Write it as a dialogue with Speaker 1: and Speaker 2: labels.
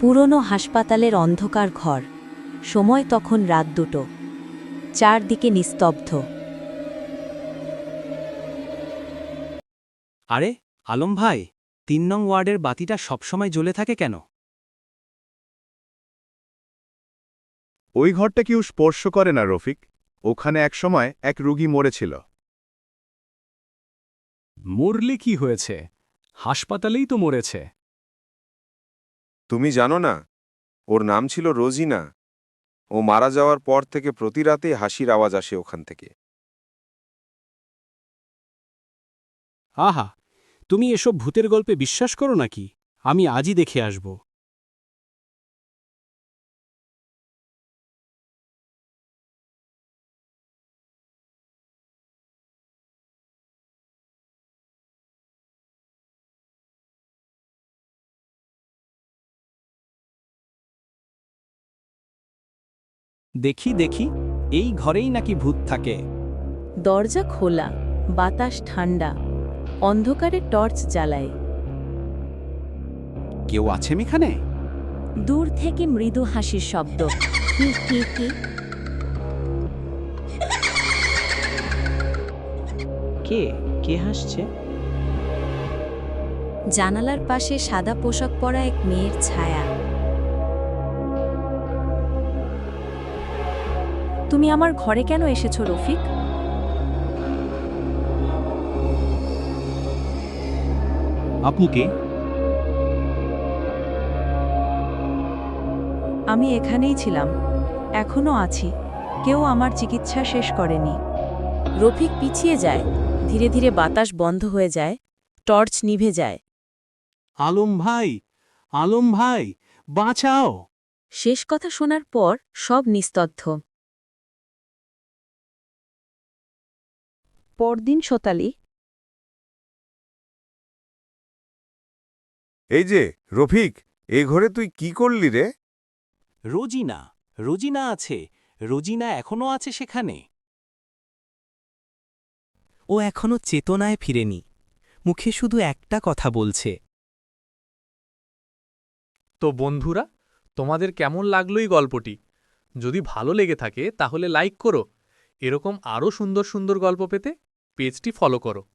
Speaker 1: পুরনো হাসপাতালের অন্ধকার ঘর। সময় তখন রাত 2টো। চারদিকে নিস্তব্ধ।
Speaker 2: আরে আলম ভাই, 3 নং ওয়ার্ডের বাতিটা সবসময় জ্বলে থাকে কেন?
Speaker 3: ওই ঘরটা কেউ স্পর্শ করে না রফিক। ওখানে একসময় এক রোগী মরেছিল।
Speaker 4: মরলে কি হয়েছে? হাসপাতালেই তো মরেছে।
Speaker 5: তুমি জানো না, ওর নাম ছিল রোজিনা। ও মারা যাওয়ার পর থেকে প্রতি রাতে হাসির আওয়াজ আসে ওখান থেকে।
Speaker 4: আহা, তুমি এসব ভূতের গল্পে বিশ্বাস করো নাকি? আমি আজই দেখে আসব।
Speaker 2: দেখি দেখি, এই ঘরেই নাকি ভূত থাকে।
Speaker 1: দরজা খোলা, বাতাস ঠান্ডা। অন্ধকারে টর্চ জ্বালায়।
Speaker 2: কেউ আছেন এখানে?
Speaker 1: দূর থেকে মৃদু হাসির শব্দ। হি হি হি।
Speaker 2: কে হাসছে?
Speaker 1: জানালার পাশে সাদা পোশাক পরা এক মেয়ের ছায়া। তুমি আমার ঘরে কেন এসেছো রফিক?
Speaker 2: আপনি কে?
Speaker 1: আমি এখানেই ছিলাম, এখনো আছি। কেউ আমার চিকিৎসা শেষ করেনি। রফিক পিছিয়ে যায়। ধীরে ধীরে বাতাস বন্ধ হয়ে যায়, টর্চ নিভে যায়।
Speaker 4: আলম ভাই, বাঁচাও!
Speaker 1: শেষ কথা শোনার পর সব নিস্তব্ধ। পরদিন সকালে
Speaker 5: এই যে রফিক, এই ঘরে তুই কি করলি রে?
Speaker 2: রোজিনা আছে। রোজিনা এখনো আছে সেখানে। ও এখনো চেতনায় ফিরেনি। মুখে শুধু একটা কথা বলছে।
Speaker 6: তো বন্ধুরা, তোমাদের কেমন লাগলো এই গল্পটি? যদি ভালো লেগে থাকে তাহলে লাইক করো। এরকম আরও সুন্দর সুন্দর গল্প পেতে পেজটি ফলো করো।